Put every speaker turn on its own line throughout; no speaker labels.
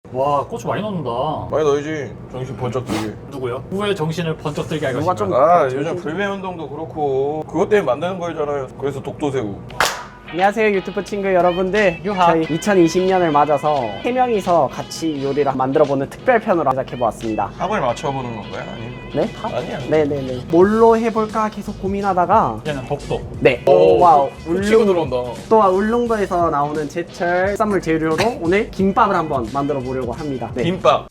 와 고추 많이 넣는다.
많이 넣어야지. 정신 번쩍 들게.
누구요? 누구의 정신을 번쩍 들게 할
누가
것인가?
좀-
아 요즘 불매 운동도 그렇고 그것 때문에 만드는 거잖아요. 그래서 독도새우.
안녕하세요 유튜브 친구 여러분들.
유하.
저희 2020년을 맞아서 3명이서 같이 요리를 만들어보는 특별편으로 제작해보았습니다.
합을 맞춰보는 건가요? 아니면?
네?
아니야.
네네네. 뭘로 해볼까 계속 고민하다가
이제는 독도.
네. 와우.
치고 들어온다.
또 울릉도에서 나오는 제철 해산물 재료로 오늘 김밥을 한번 만들어 보려고 합니다. 네.
김밥.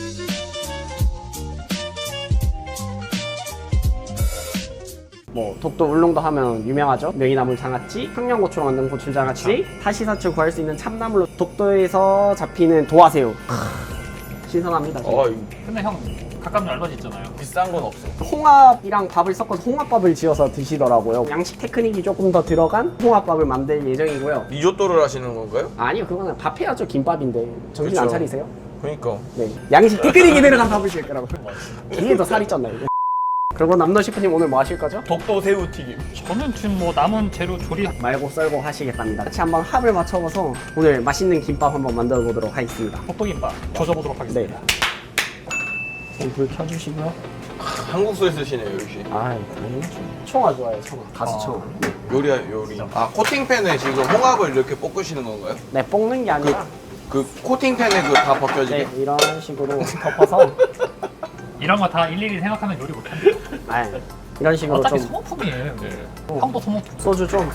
뭐 독도 울릉도 하면 유명하죠. 명이나물 장아찌, 청양고추로 만든 고추장아찌, 타시사철 구할 수 있는 참나물로 독도에서 잡히는 도화새우. 신선합니다. 진짜.
이거
근데 형 가깝는 알바지 있잖아요.
비싼 건 없어.
홍합이랑 밥을 섞어서 홍합밥을 지어서 드시더라고요. 양식 테크닉이 조금 더 들어간 홍합밥을 만들 예정이고요.
리조또를 하시는 건가요?
아니요, 그거는 밥 해야죠. 김밥인데 정신 안
그쵸.
차리세요?
그러니까.
네, 양식 테크닉이 들어간 밥을 지을 거라고요. 이게 더 살이 쪘나 이게. 그리고 남너 셰프님 오늘 뭐 하실 거죠?
독도새우 튀김.
저는 지금 뭐 남은 재료 조리.
말고 썰고 하시겠답니다. 같이 한번 합을 맞춰봐서 오늘 맛있는 김밥 한번 만들어 보도록 하겠습니다.
독도김밥 조져보도록 하겠습니다.
네. 불 켜주시고요.
한국소에 쓰시네요 역시.
아, 당연하죠. 청아 좋아요, 청아. 가수 청아.
요리야 요리. 아 코팅팬에 지금 홍합을 이렇게 볶으시는 건가요?
네, 볶는 게 아니라
그 코팅팬에 그 다 벗겨지게?
네, 이런 식으로 덮어서
이런 거 다 일일이 생각하면 요리 못합니다.
아, 이런 식으로
어차피
좀
소모품이에요.
네.
형도 소모품.
소주 좀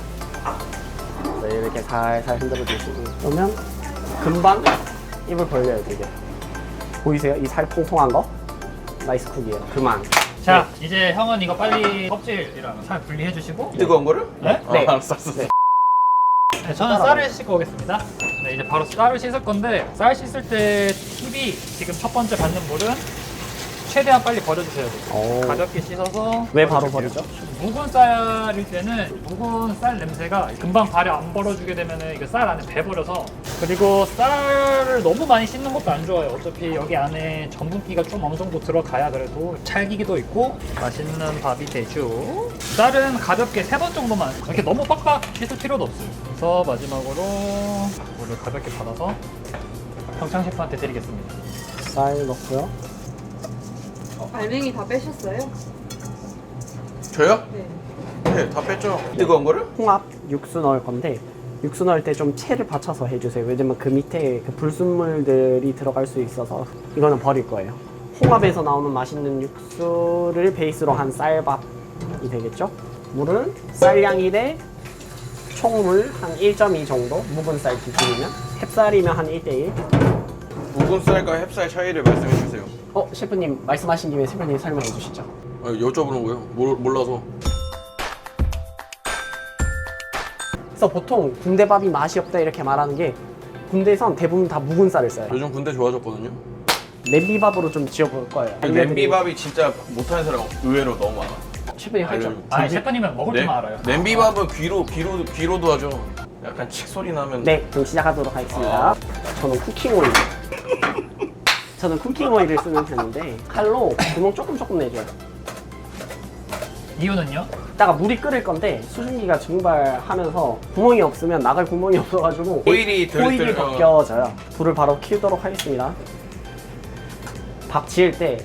네, 이렇게 살살 흔들어 주시고 그러면 금방 입을 벌려요 되게. 보이세요? 이 살 통통한 거? 나이스 쿡이에요. 그만.
자 이제 형은 이거 빨리 껍질이랑 살 분리해 주시고.
뜨거운 거를?
네?
네.
알았어.
네.
네, 저는 쌀을 씻고 오겠습니다. 네, 이제 바로 쌀을 씻을 건데 쌀 씻을 때 팁이 지금 첫 번째 받는 물은 최대한 빨리 버려주셔야 돼요.
오.
가볍게 씻어서.
왜 바로
버려줄게요.
버리죠?
묵은 쌀일 때는 묵은 쌀 냄새가 금방 발에 안 벌어주게 되면 이게 쌀 안에 배버려서. 그리고 쌀을 너무 많이 씻는 것도 안 좋아요. 어차피 여기 안에 전분기가 좀 어느 정도 들어가야 그래도 찰기기도 있고 맛있는 밥이 되죠. 쌀은 가볍게 3번 정도만, 이렇게 너무 빡빡 씻을 필요도 없어요. 그래서 마지막으로 물을 가볍게 받아서 평창 셰프한테 드리겠습니다.
쌀 넣고요.
알맹이 다 빼셨어요?
저요?
네.
네, 다 뺐죠. 뜨거운 거를?
홍합 육수 넣을 건데 육수 넣을 때 좀 채를 받쳐서 해주세요. 왜냐면 그 밑에 그 불순물들이 들어갈 수 있어서 이거는 버릴 거예요. 홍합에서 나오는 맛있는 육수를 베이스로 한 쌀밥이 되겠죠? 물은 쌀량이 대 총물 한 1.2 정도, 묵은 쌀 기준이면. 햅쌀이면 한 1:1.
묵은 쌀과 햅쌀 차이를 말씀해 주세요.
셰프님 말씀하신 김에 셰프님 설명해 주시죠.
여쭤보는 거예요? 몰라서.
그래서 보통 군대밥이 맛이 없다 이렇게 말하는 게 군대에선 대부분 다 묵은 쌀을 써요.
요즘 군대 좋아졌거든요.
냄비밥으로 좀 지어볼 거예요.
냄비밥이 진짜 못하는 사람 의외로 너무 많아.
셰프님 할 줄.
알려줘.
아, 셰프님은 먹을 줄만 알아요.
냄비밥은 귀로도 하죠. 약간 칙 소리 나면.
네, 그럼 시작하도록 하겠습니다. 저는 쿠킹 오일. 저는 쿠킹 오일을 쓰는 편인데 칼로 구멍 조금 내줘요.
이유는요?
이따가 물이 끓을 건데 수증기가 증발하면서 구멍이 없으면 나갈 구멍이 없어가지고
오일이
오일이 벗겨져요. 불을 바로 켜도록 하겠습니다. 밥 지을 때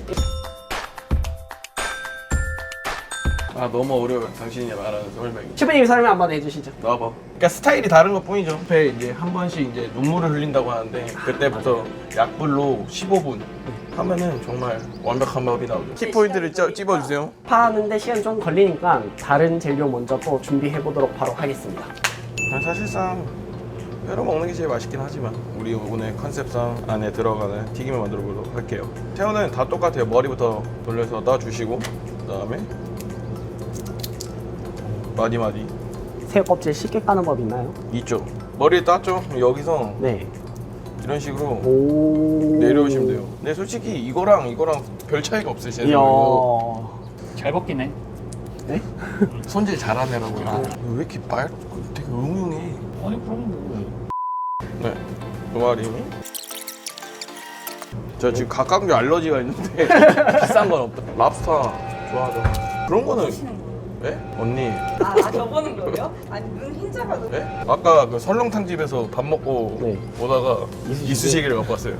너무 어려워요. 당신이 말하는 설명이.
셰프님 설명 한번 해주시죠.
나와봐. 그러니까 스타일이 다른 것 뿐이죠. 앞에 이제 한 번씩 이제 눈물을 흘린다고 하는데 그때부터 약불로 15분 하면은 정말 완벽한 밥이 나오죠. 키포인트를 찝어주세요.
파는데 시간 좀 걸리니까 다른 재료 먼저 또 준비해 보도록 바로 하겠습니다.
사실상 회로 먹는 게 제일 맛있긴 하지만 우리 오늘 컨셉상 안에 들어가는 튀김을 만들어 보도록 할게요. 새우는 다 똑같아요. 머리부터 돌려서 놔주시고 그다음에 마디마디
새우 껍질 쉽게 까는 법 있나요?
있죠. 머리에 땄죠? 그럼 여기서
네.
이런 식으로
오.
내려오시면 돼요. 근데 솔직히 이거랑 별 차이가 없어요. 제
이야.
생각에는.
잘 벗기네.
네?
손질 잘하네라고요. 왜 이렇게 되게 응용해.
아니 그럼 뭐.
네, 두 마리. 저 지금 각각류 알러지가 있는데 비싼 건 없다. 랍스터 좋아하죠. 그런 거는 예? 언니.
아 저보는 거예요? 아니 눈 흰자가 너무
예? 아까 그 설렁탕 집에서 밥 먹고
네.
오다가 이쑤시개를 갖고 왔어요.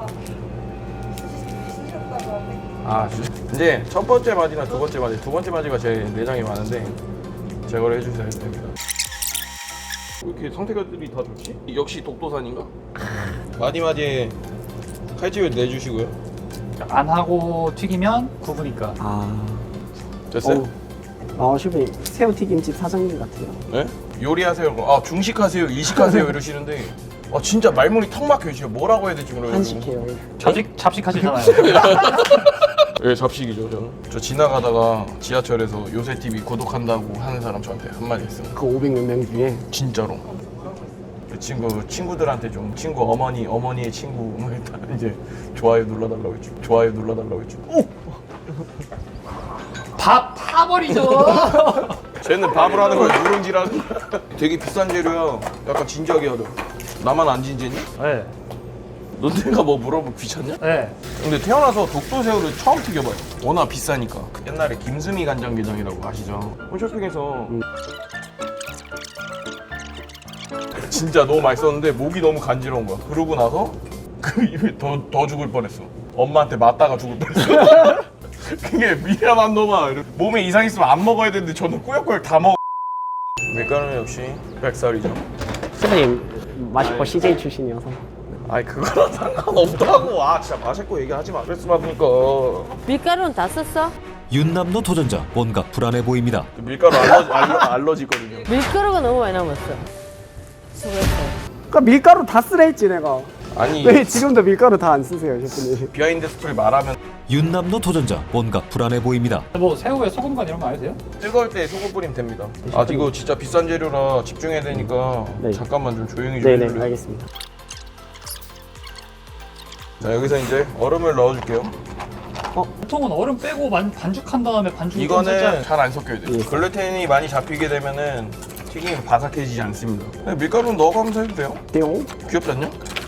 신기하다고 하는데
아, 이제 첫 번째 마디나 두 번째 마디가 제 내장이 많은데 제거를 해주셔야 됩니다. 왜 이렇게 상태가들이 다 좋지? 역시 독도산인가? 마디마디에 칼집을 내주시고요.
안 하고 튀기면 구부니까.
아.
됐어요?
셰프님 새우튀김집 사장님 같아요.
네? 요리하세요. 아, 중식하세요, 이식하세요 이러시는데 아, 진짜 말문이 턱 막혀요. 지금 뭐라고 해야 될지 모르겠어요.
한식해요.
잡식하시잖아요.
예, 잡식이죠, 저는. 저 지나가다가 지하철에서 요새TV 구독한다고 하는 사람 저한테 한마디 했어요.
그 500몇 명 중에
진짜로. 그 친구들한테 좀 어머니의 친구 뭐 일단 이제 좋아요 눌러달라고 했죠. 좋아요 눌러달라고 했죠.
밥 타버리죠.
쟤는 밥을 하는 거야, 누룽지라는. 되게 비싼 재료야. 약간 진지하게 하죠. 나만 안 진지했니?
네.
너 내가 뭐 물어보면 귀찮냐?
네.
근데 태어나서 독도새우를 처음 튀겨봐요. 워낙 비싸니까. 옛날에 김수미 간장게장이라고 아시죠? 홈쇼핑에서 진짜 너무 맛있었는데 목이 너무 간지러운 거야. 그러고 나서 그 입에 더 죽을 뻔했어. 엄마한테 맞다가 죽을 뻔했어. 그게 미안한 놈아. 몸에 이상 있으면 안 먹어야 되는데 저는 꾸역꾸역 다 먹어. 밀가루는 역시 백살이죠.
셰프님 맛있고 CJ 출신이어서.
아이 그거랑 상관없다고. 아 진짜 맛있고 얘기하지 마. 스트레스 받으니까.
밀가루는 다 썼어?
윤남노 도전자 뭔가 불안해 보입니다.
밀가루 알러지 있거든요.
밀가루가 너무 많이 남았어. 수고했어.
그러니까 밀가루 다 쓰라 했지 내가.
아니
왜 지금도 밀가루 다 안 쓰세요 셰프님?
비하인드 스토리 말하면
윤남노 도전자 뭔가 불안해 보입니다.
뭐 새우에 소금 간 이런 거 아니세요?
뜨거울 때 소금 뿌리면 됩니다. 아 이거 진짜 비싼 재료라 집중해야 되니까
네.
잠깐만 좀 조용히 좀
네네
해줄래요?
알겠습니다.
자 여기서 이제 얼음을 넣어줄게요.
보통은 얼음 빼고 반죽한 다음에 반죽을 좀
이거는
살짝
잘 안 섞여야 돼요.
예.
글루텐이 많이 잡히게 되면은 튀김이 바삭해지지 않습니다. 그냥 밀가루는 넣어가면서 해도 돼요.
띠용.
귀엽지 않냐?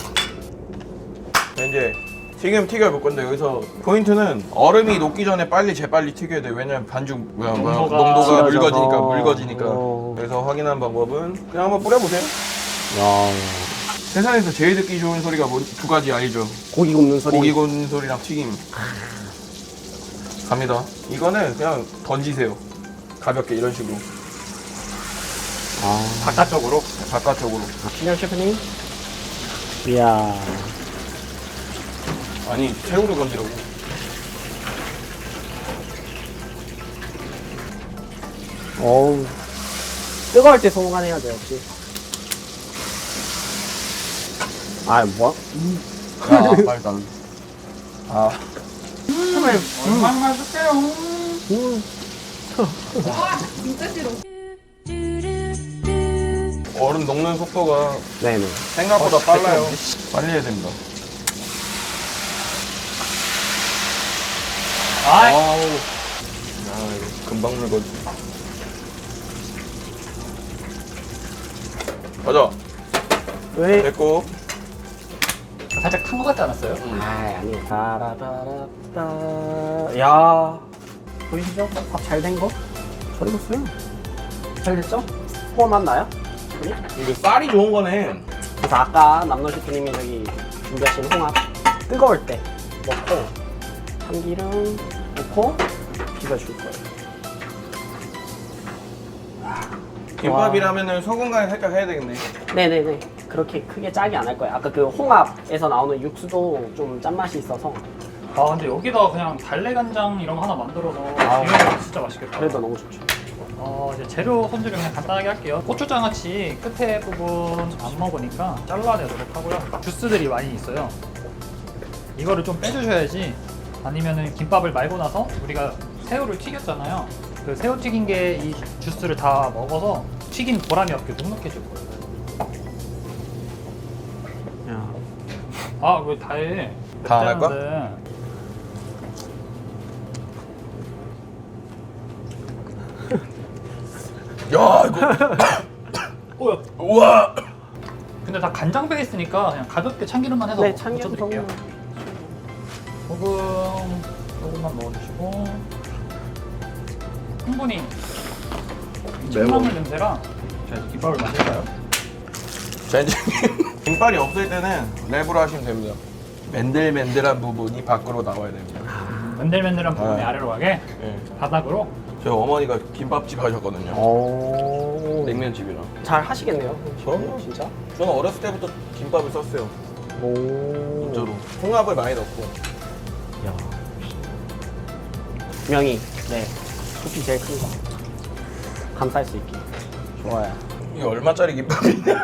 자, 이제 튀김 튀겨볼 건데 여기서 포인트는 얼음이 녹기 전에 재빨리 튀겨야 돼요. 왜냐면 반죽 농도가
질어져서.
묽어지니까. 그래서 확인한 방법은 그냥 한번 뿌려보세요.
야.
세상에서 제일 듣기 좋은 소리가 두 가지 알죠?
고기 굽는 소리.
고기 굽는 소리랑 튀김. 갑니다. 이거는 그냥 던지세요. 가볍게 이런 식으로. 바깥쪽으로. 바깥쪽으로.
신영 셰프님. 이야.
아니 새우를 건지라고.
어우. 뜨거울 때 소금간해야죠 역시. 아 뭐?
야 맛있다. 아
얼마나 줄게요.
진짜 싫어.
얼음 녹는 속도가
네네.
생각보다 빨라요. 빨리 해야 됩니다.
아,
아우. 야 이거 금방 물거지. 가자.
왜?
됐고.
살짝 탄 것 같지 않았어요?
아니. 따라따라따. 야. 보이시죠? 밥 잘 된 거? 잘 익었어요. 잘 됐죠? 소금 맛 나요?
이거 쌀이 좋은 거네.
그래서 아까 남노 셰프님이 저기 준비하신 홍합 뜨거울 때 넣고 참기름 넣고 비벼줄 거예요.
김밥이라면은 소금 간을 살짝 해야 되겠네.
네네네. 그렇게 크게 짜게 안 할 거예요. 아까 그 홍합에서 나오는 육수도 좀 짠맛이 있어서
아 근데 여기다 그냥 달래간장 이런 거 하나 만들어서 이거 진짜 맛있겠다.
그래도 너무 좋죠.
이제 재료 손질을 그냥 간단하게 할게요. 고추장아찌 끝에 부분 안 먹으니까 잘라내도록 하고요. 주스들이 많이 있어요. 이거를 좀 빼주셔야지. 아니면은 김밥을 말고 나서 우리가 새우를 튀겼잖아요. 그 새우 튀긴 게 이 주스를 다 먹어서 튀긴 보람이 없게 눅눅해질 거예요.
야.
아 왜 다 해?
다 안 할까?
맵다는데.
야 이거.
뭐야?
우와.
근데 다 간장 베이스니까 그냥 가볍게 참기름만 해서
네, 참기름
묻혀드릴게요. 소금만 넣어주시고 충분히 참나물 냄새랑 자 이제 김밥을 만들까요?
자 이제 김발이 없을 때는 랩으로 하시면 됩니다. 맨들맨들한 부분이 밖으로 나와야 됩니다.
맨들맨들한 부분이
아.
아래로 가게
예.
바닥으로.
저희 어머니가 김밥집 하셨거든요.
오.
냉면집이랑.
잘 하시겠네요.
그럼요.
진짜.
저는 어렸을 때부터 김밥을 썼어요.
오.
진짜로. 홍합을 많이 넣고.
야. 명이 네. 숲이 제일 큰 거. 감쌀 수 있게. 좋아요.
이게 얼마짜리 김밥이냐?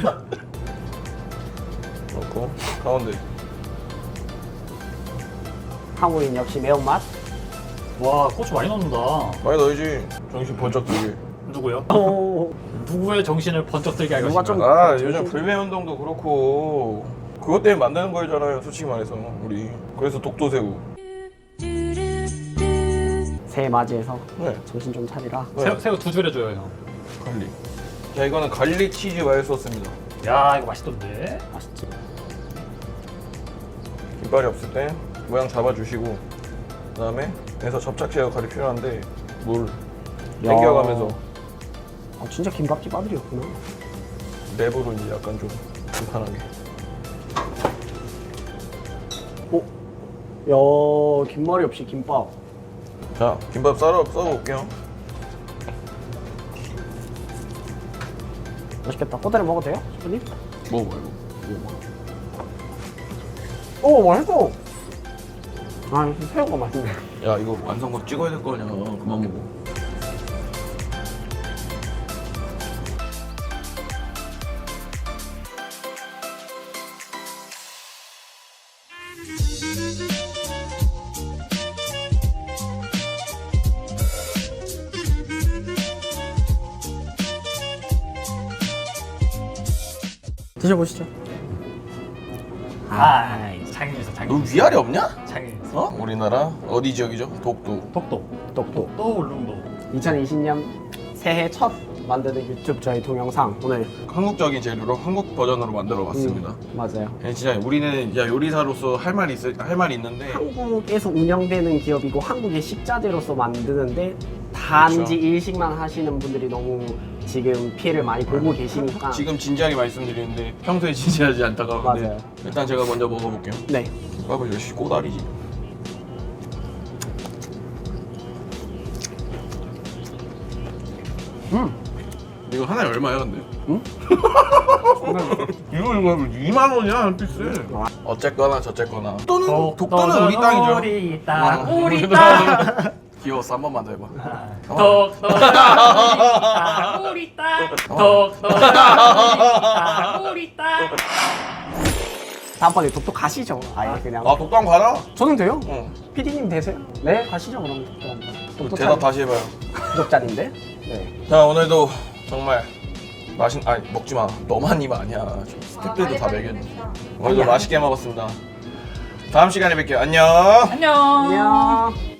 넣고 가운데.
한국인 역시 매운맛.
와 고추 많이 넣는다.
많이 넣어야지. 정신 번쩍 들게.
누구요?
오.
누구의 정신을 번쩍 들게 할
누가
것인가?
좀-
아
정신-
요즘 불매운동도 그렇고 그것 때문에 만드는 거잖아요. 솔직히 말해서 우리. 그래서 독도새우.
새해 맞이해서
네.
정신 좀 차리라.
새우 두 줄 해줘요 형.
갈릭. 자 이거는 갈릭 치즈 마요 소스입니다.
야 이거 맛있던데.
맛있지.
김발이 없을 때 모양 잡아주시고 그다음에 그래서 접착제 역할이 필요한데 물 땡겨가면서
아, 진짜 김밥집 아들이었구나.
랩으로 이제 약간 좀 불편하게.
야, 김말이 없이 김밥.
자 김밥 썰어볼게요.
맛있겠다. 꼬다리 먹어도 돼요? 셰프님?
먹어봐 이거.
오, 맛있어. 아, 역시 새우가 맛있네.
야 이거 완성급 찍어야 될 거 아니야. 그만 먹어.
드셔보시죠.
아 장인에서
너
장인.
위아래 없냐?
장인에서.
어? 우리나라 어디 지역이죠? 독도.
독도.
똑똑.
또 울릉도.
2020년 새해 첫 만드는 유튜브 저희 동영상 오늘
한국적인 재료로 한국 버전으로 만들어 봤습니다.
맞아요.
진짜 우리는 야 요리사로서 할 말이 있는데
한국에서 운영되는 기업이고 한국의 식자재로서 만드는데 단지
그렇죠.
일식만 하시는 분들이 너무 지금 피해를 많이 보고 계시니까
지금 진지하게 말씀드리는데 평소에 진지하지 않다가 근데
맞아요.
일단 제가 먼저 먹어볼게요.
네.
김밥을 역시 꼬다리지. 이거 하나에 얼마야 근데?
응?
이거 2만 원이야 한 피스. 어쨌거나 저쨌거나 독도는 우리 땅이죠.
우리 땅.
어.
우리 땅.
귀여웠어 한 번만 더 해봐.
독도 우리 땅. 독도 우리 땅.
다음번에 독도 가시죠. 아예 그냥.
아 독도 한번 가라.
저는 돼요?
응.
PD님 되세요? 네, 가시죠 그럼 독도 한번. 독도
대답 다시 해봐요.
구독자인데. 네.
자 오늘도 정말 아니 먹지 마. 너만 입 아니야. 스태프들도 다 먹였네. 오늘도 맛있게 먹었습니다. 다음 시간에 뵐게요. 안녕.
안녕.
안녕.